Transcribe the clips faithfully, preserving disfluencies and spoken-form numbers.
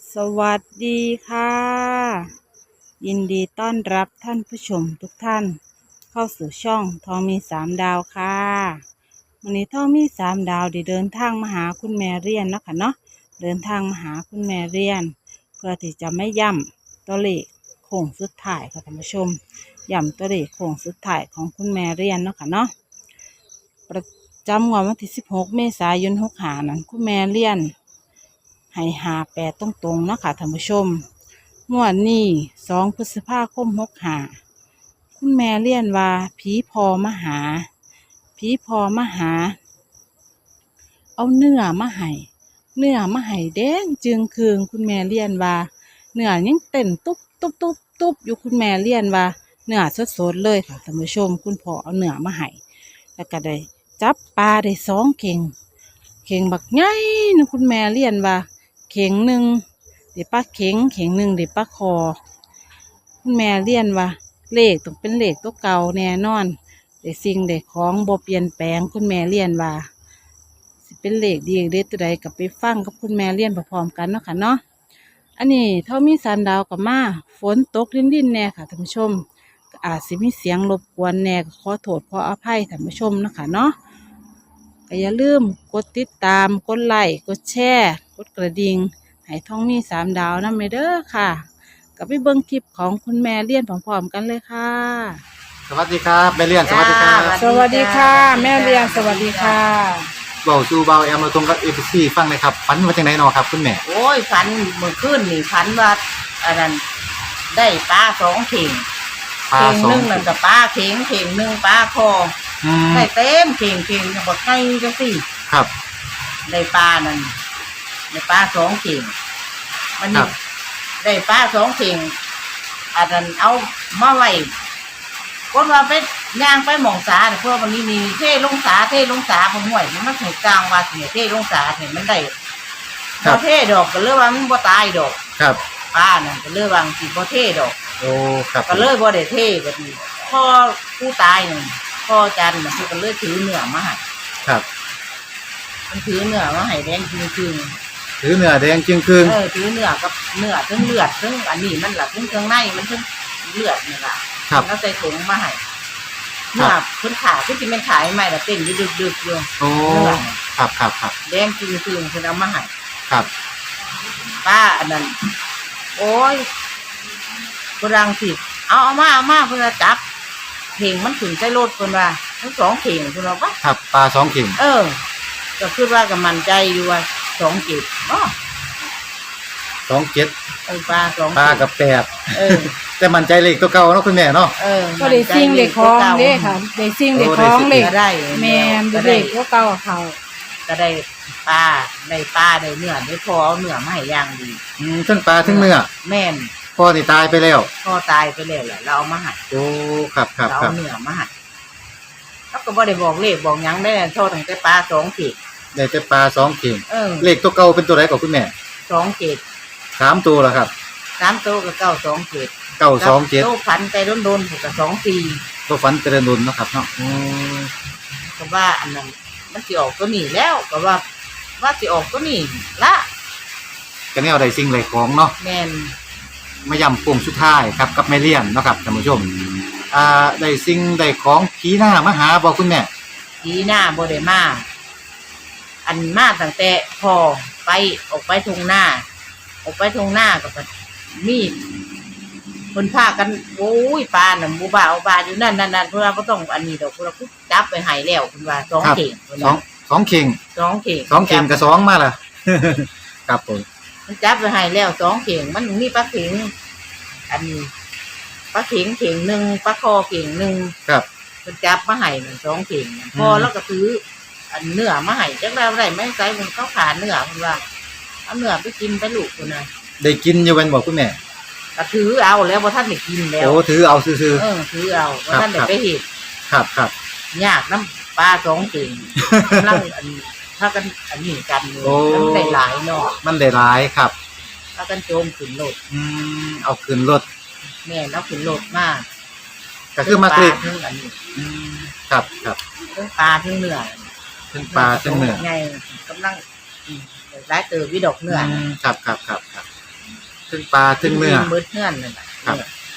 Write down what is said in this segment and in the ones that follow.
สวัสดีค่ะ ยินดีต้อนรับท่านผู้ชมทุกท่านเข้าสู่ช่องทองมีสามดาวค่ะวันนี้ทองมีสามดาวได้เดินทางมาหาคุณแม่เรียนเนาะค่ะเนาะเดินทางมาหาคุณแม่เรียนเพื่อที่จะไม่ย่ำตัวเลขโค้งสุดท้ายค่ะท่านผู้ชมย่ำตัวเลขโค้งสุดท้ายของคุณแม่เรียนเนาะค่ะเนาะประจำวันที่สิบหกเมษายนหกห้านั้นคุณแม่เรียนให้หาแปดตรงๆเนาะค่ะท่านผู้ชมงวดนี้สองพฤษภาคมหกห้าคุณแม่เรียนว่าผีพอมาหาผีพอมาหาเอาเนื้อมาให้เนื้อมาให้แดงจึงคืงคุณแม่เรียนว่าเนื้อยังเต้นตุ๊บตุ๊บตุ๊บตุ๊บอยู่คุณแม่เรียนว่าเนื้อสดๆเลยค่ะท่านผู้ชมคุณพ่อเอาเนื้อมาให้แล้วก็ได้จับปลาได้สองเข่งเข่งบักใหญ่นะคุณแม่เรียนว่าเข่งหนึ่งเดี๋ยวปลาเข่งเข่งหนึ่งเดี๋ยวปลาคอคุณแม่เรียนว่าเลขต้องเป็นเลขตัวเก่าแน่นอนเดี๋ยวสิ่งเด็กของบ่เปลี่ยนแปลงคุณแม่เรียนว่าสิเป็นเลขดีเด็ดตัวใดกับไปฟังกับคุณแม่เรียนพร้อมๆกันเนาะค่ะเนาะอันนี้เท่ามีสันดาวกับมาฝนตกลิ้นๆแน่ค่ะท่านผู้ชมก็อาจสิมีเสียงรบกวนแน่ก็ขอโทษขออภัยท่านผู้ชมเนาะค่ะเนาะก็อย่าลืมกดติดตามกดไลค์กดแชร์กดกระดิ่งให้ท่องมีสามดาวนั่นไปเด้อค่ะกับไปเบิ่งคลิปของคุณแม่เรียนพร้อมๆกันเลยค่ะสวัสดีครับแม่เลียนสวัสดีครับสวัสดีค่ะแม่เรียนสวัสดีค่ะเบาสู่เบาแอมมาตรงกับเอฟซีฟังเลยครับฝันมาจากไหนเนาะครับคุณแม่โอ้ยฝันเมื่อคืนนี่ฝันว่าอันนั้นได้ปลาสองเข่งปลาเข่งสอหงนึ่งนั่นกับปลาเข่งเข่งหนึ่งปลาคออืมได้เต็มเข่งเข่งบอกให้จังสิครับได้ปลานั่นได้ปลาสองเข่งมันครันี่บได้ปลาสองเข่งอันนั้นเอามาไว้คนว่าไปย่างไปหมองสาเนี่ยเพราะวันนี้มีเท่ลงสาเท่ลงสาผมห่วยมันไม่ถูกกลางว่าเสียเท่ลงสาเนี่ยมันได้พอเท่ดอกก็เลือกว่ามันบ่ตายดอกครับป้านั่นก็เลือกว่าสิบ่เท่ดอกโอ้ครับก็เลยบ่ได้เท่ก็ดีพ่อผู้ตายนี่พ่อจันน่ะคือก็เลยถือเนื้อมาให้ครับมันถือเนื้อมาให้แดงจริงถือเนื้อแดงจึงคืนๆเออถือเนื้อกับเนื้อทั้งเลือดทั้งอันนี้มันล่ะทั้งเครื่องในมันทั้งเลือดนี่ล่ะครับแล้วใส่ถุงมาให้เนื้อเพิ่นขายคือสิแม่นขายใหม่ล่ะเต้นอยู่ดึกๆอยู่โอ้ครับครับครับแดงจริงๆเพิ่นเอามาให้ครับป้าอันนั้นโอ้ยกำลังสิเอาเอามาเอามาเพื่อจับเข่งมันถึงใช้รถคนว่าทั้งสองเข่งคุณเราปะครับปลาสองเข่งเออก็คือว่ากับมันใจอยู่ว่าสองเจ็ดอ๋อสองเจ็ดเออปลาสองปลากับแปดเออแต่มันใจเลขตัวเก่าเนาะคุณแม่เนาะเออก็ได้ซิ่งเด็กคล้องเด้ค่ะได้ซิ่งเด็กคล้องเด็กก็ได้แม่นเด็กก็เก่าเขาก็ได้ปลาได้ปลาได้เนื้อได้พอเอาเนื้อมาให้ย่างดีอืมทั้งปลาทั้งเนื้อแม่นพ่อที่ตายไปแล้วพ่อตายไปแล้วแหละเราเอามาให้โอ้ครับครับเราครัเอาบเนื้อมาให้แล้วก็บ่ได้บอกเลขบอกหยังได้โทษตั้งแต่ปลาสองเจ็ดได้แต่ปลาสองเข่งเออเลขตัวเก่าเป็นตัวไหนก่อนคุณแม่สองเจ็ดสามตัวแล้วครับสามโตวกับเก้าสองเจ็ดเก้าสองเจ็ดโตวพันไปโดนๆถูกกับสองสี่ตัวฝันเจริญดุลเนาะครับเนาะอืมก็ว่าอันนั้นมันสิออกตัวนี้แล้วก็ว่าว่าสิออกตัวนี้ละก็แนวใดสิ่งใดของเนาะแม่นมาย่ำโป่งสุดท้ายครับกับแม่เลี้ยนเนาะครับท่านผู้ชมอ่าได้สิ่งได้ของผีหน้ามาหาบอกคุณแม่ทีหน้าบ่ได้มาอันมาตั้งแต่พอไปออกไปทงหน้า ออกไปทงหน้ากับมีดคนพากันโอ้ยปลาน่ะหมู่บ้าเอาปลาอยู่นั่นนั่นนั่นเพื่อบ่ต้องอันนี้ดอกเพื่อจับไปให้แล้วเพิ่นว่าสองเข่งเพิ่นสองว่าสองเข่งสองเข่งสองเข่งกับสองมาล่ะ ครับผมมันจับไปให้แล้วสองเข่งมันมีปลาเข่งอันนี้ปลาเข่งเข่งหนึ่งปลาคอเข่งหนึ่งครับมันจับมาให้มันสองเข่งน่ะอืมพอแล้วก็ซื้ออันเนื้อมาให้จักแล้วได้ไม่ใส่มันเข้าขาเนื้อมันว่าเอาเนื้อไปกินไปลูกคนน่ะได้กินอยู่เป็นบอกคุณแม่ก็ถือเอาแล้วว่าท่านได้กินแล้วโอ้ถือเอาซื่อเออถือเอาว่าท่านได้ไปเห็ดๆครับครับยากน้ำปลาสองเข่งกำลังอันถ้ากันอันนี้กันเลยมันได้หลายเนาะมันได้หลายครับถ้ากันโจมขึ้นโลดอืมเอาขึ้นรถแม่แล้วขึ้นโลดมากก็คือมาคลิกทั้งอันนี้อืมครับครับทั้งปลาทั้งเนื้อทั้งปลาทั้งเนื้อไงกำลังอืมหลายเติบวิดอกเนื้ออืมครับครับครับครับถึงปลาถึงเนื้อเบิดเงื่อนนั่นน่ะครับ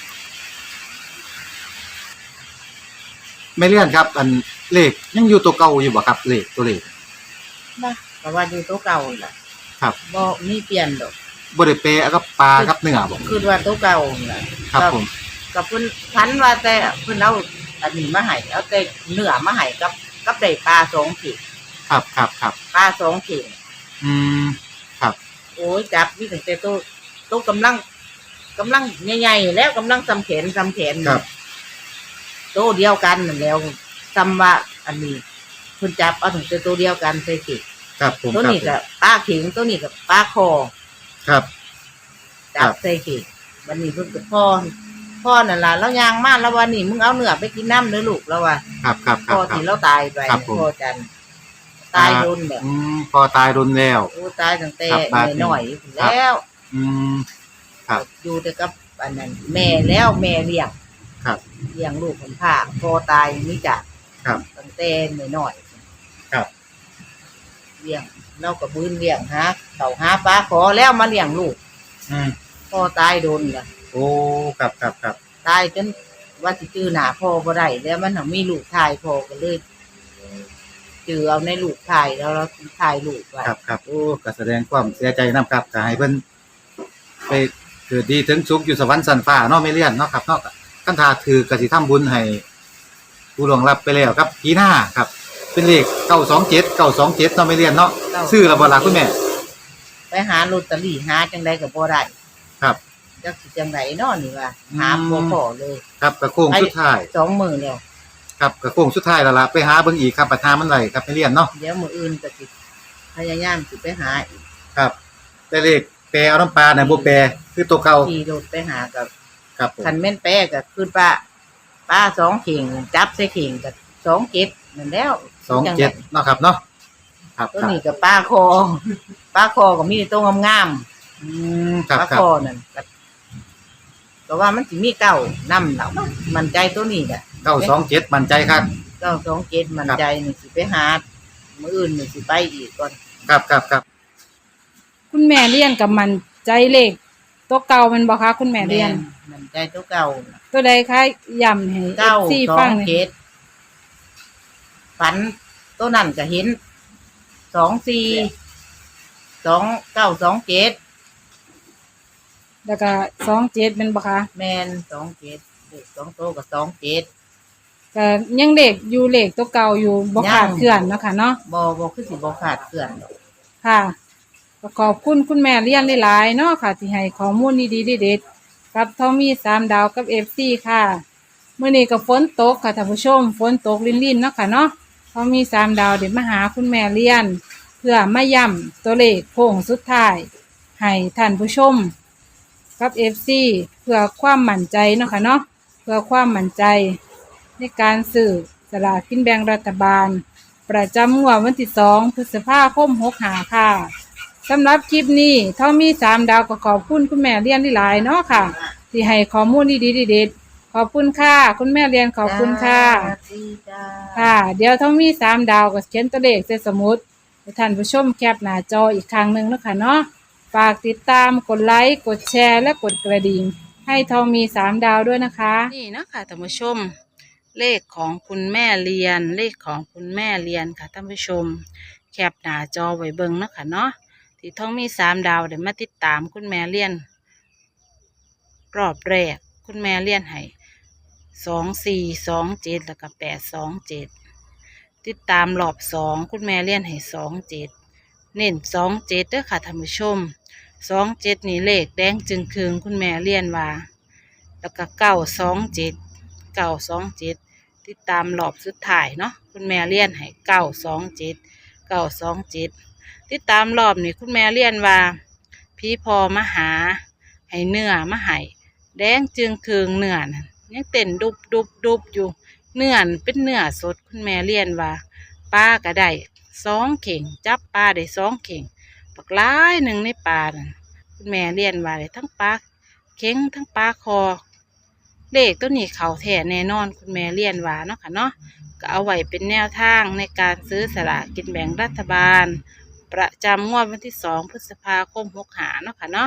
ไม่เลี่ยนครับ อันเลขยังอยู่ตัวเก่าอยู่บ่ครับเลขตัวเลขนะเพราะว่าอยู่ตัวเก่าล่ะครับบ่มีเปลี่ยนดอกบ่ได้เปะกับปลากับเนื้อบ่คือว่าตัวเก่าล่ะครับผมกับเพิ่นพันว่าแต่เพิ่นเอาอันนี้มาให้เอาแต่เนื้อมาให้กับกับได้ปลาสองขีดครับครับครับปลาสองขีดอืมครับโอ้ยจับมีตั้งแต่ตัวตัวกำลังกำลังใหญ่ๆแล้วกำลังซำแขนซำแขนครับตัวเดียวกันนั่นแล้วซำว่าอันนี้เพิ่นจับเอาตั้งแต่ตัวเดียวกันใส่ขีดครับผมตัวครับนี้ก็ปลาเข็งตัวนี้ก็ปลาคอครับจับใส่ขีดวันนี้เพิ่นก็พ่อพ่อนั่นล่ะแล้วยางมาแล้ววันนี้มึงเอาเนื้อไปกินน้ำเด้อลูกแล้วว่าครับครับคพ่รัอบครับที่เราตายไปครับผมพ่อจันตายโดนแบบอืมพอตายรุนแล้วโอ้ตายตั้งแต่ครับบาดนี้น้อยๆพุ่นแล้วอืมครับอยู่แต่กับอันนั้นแม่แล้วแม่เลี้ยงครับเลี้ยงลูกคนผ่าพ่อตายนี่จ้ะครับตั้งแต่น้อยครับๆเลี้ยงเราก็บืนเลี้ยงหาเขาหาปลาขอแล้วมาเลี้ยงลูกอืมพ่อตายโดนล่ะโอ้ครับครับครับตายจนว่าสิจื้อหน้าพ่อบ่ได้แล้วมันหังมีลูกชายพ่อก็เลยจื้อเอาในลูกชายแล้วเราถ่ายลูกไว้ครับครับโอ้ก็แสดงความเสียใจนํครับก็ให้เพิ่นไปเกิดดีถึงสุขอยู่สวรรค์สันฟ้าเนาะไม่เลี่ยนเนาะครับเนาะคันถ้าถือก็สิทำบุญให้ผู้ล่วงลับไปแล้วครับปีหน้าครับ เป็นเลขเก้าสองเจ็ด เก้าสองเจ็ดเนาะไม่เลี่ยนเนาะซื้อแล้วบ่ล่ะคุณแม่ไปหาลอตเตอรี่หาจังไดก็บ่ได้ครับจักสิจังไดเนาะนี่ว่าหาบ่พอเลยครับกระโค้งสุดท้ายสองมื้อแล้วครับกระโค้งสุดท้ายแล้วล่ะไปหาเบิ่งอีกครับปัญหามันไหลครับไม่เลี่ยนเนาะเดี๋ยวมื้ออื่นก็สิพยายามสิไปหาอีกครับแต่เลขแปรเอาน้ำปลาเนี่ยบ่แปรคือตัวเก่าขี่รถไปหากับครับผมคันแม่นแปะก็คือป้าป้าสองเข่งจับใส่เข่งก็สองเจ็ดนั่นแล้วสองเจ็ดเนาะครับเนาะครับตัวครับนี้ก็ป้าคอป้าคอก็มีแต่ตัวงามอืมคๆรับป้าครัคบอนั่นก็ก็ว่ามันสิมีเก้านำแล้วมันใจตัวนี้แหละเก้าสองเจ็ดมั่นใจครับเก้าสองเจ็ดมันใจนี่สิไปหามื้ออื่นนี่สิไปอีกก่อนครับครับครับคุณแม่เลี้ยนกับมันใจเลขตัวเก่าแมันบ่คะคุณแม่เลี้ยนมันใจตัวเก่าตัวใดคะย้ำให้เก้าเอฟซีสอฟังงหน่อยเจ็ดฝันตัวนั้นก็เห็นสองสี่สองเก้าสองเจ็ดแล้วก็สองเจ็ดเป็นบ่คะแมนสองเจ็ดเด็กสองโตกับสองเจ็ดก็ยังเด็กอยู่เลขตัวเก่าอยู่บ่ยังขาดเคลื่อนเนาะค่ะเนาะบอบอคือสิบอขาดเกลื่อนดอกค่ะก็ขอบคุณคุณแม่เลี้ยนหลายๆเนาะค่ะที่ให้ข้อมูลดีๆเด็ดๆกับทอมมี่สามดาวกับ เอฟ ซี ค่ะมื้อนี้ก็ฝนตกค่ะท่านผู้ชมฝนตกรินๆเนาะค่ะเนาะทอมมี่สามดาวเดี๋ยวมาหาคุณแม่เลี้ยน เพื่อมาย้ำตัวเลขโค้งสุดท้ายให้ท่านผู้ชมกับ เอฟ ซี เพื่อความมั่นใจเนาะค่ะเนาะเพื่อความมั่นใจในการซื้อสลากกินแบ่งรัฐบาล ประจำงวดวันที่สองพฤษภาคมหกห้าค่ะสำหรับคลิปนี้เท่ามีสามดาวก็ขอบคุณคุณแม่เลี้ยนหลายๆเนาะค่ะ ที่ให้ข้อมูลดีๆเด็ดๆขอบคุณค่ะ คุณแม่เลี้ยนขอบคุณค่ะสวัสดีจ้าค่ะ เดี๋ยวเท่ามีสามดาวก็เขียนตัวเลขใส่สมุดให้ท่านผู้ชมแคปหน้าจออีกครั้งหนึ่งแล้วค่ะเนาะฝากติดตามกดไลค์กดแชร์และกดกระดิ่งให้ทองมีสามดาวด้วยนะคะ นี่นะคะท่านผู้ชม เลขของคุณแม่เรียน เลขของคุณแม่เรียนค่ะท่านผู้ชม แคปหน้าจอไว้เบิ่งเนาะคะเนาะที่ทองมีสามดาวเดี๋ยวมาติดตามคุณแม่เรียน รอบแรกคุณแม่เรียนให้สองสี่สองเจ็ดแล้วก็แปดสองเจ็ดติดตามรอบสองคุณแม่เรียนให้สองเจ็ดเน้นสองเจ็ดเด้อค่ะท่านผู้ชมสองเจ็ดนี่เลขแดงจึงคืงคุณแม่เรียนว่าแล้วก็เก้าสองเจ็ดเก้าสองเจ็ดติดตามรอบสุดท้ายเนาะคุณแม่เรียนให้เก้าสองเจ็ดเก้าสองเจ็ดติดตามรอบนี่คุณแม่เรียนว่าพี่พอมาหาให้เนื้อมาให้แดงจึงคืงเนื้อนั่นยังเต้นดุบดุบดุบอยู่เนื้อนั่นเป็นเนื้อสดคุณแม่เรียนว่าปลาก็ได้สองเข่งจับปลาได้สองเข่งปักหลายหนึ่งในปลานั่นคุณแม่เรียนว่าได้ทั้งปลาเข่งทั้งปลาคอเลขตัวนี้เขาแท้แน่นอนคุณแม่เรียนว่าเนาะค่ะเนาะก็เอาไว้เป็นแนวทางในการซื้อสลากกินแบ่งรัฐบาล ประจำงวดวันที่สองพฤษภาคมหกห้าเนาะค่ะเนาะพ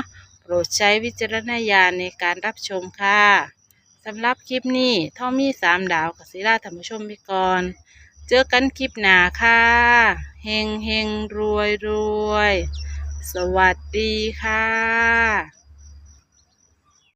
โปรดใช้วิจารณญาณในการรับชมค่ะสำหรับคลิปนี้ท่อมีสามดาวกับศิลาธรรมชมไปก่อนเจอกันคลิปหน้าค่ะเฮงเฮงรวยรวยสวัสดีค่ะ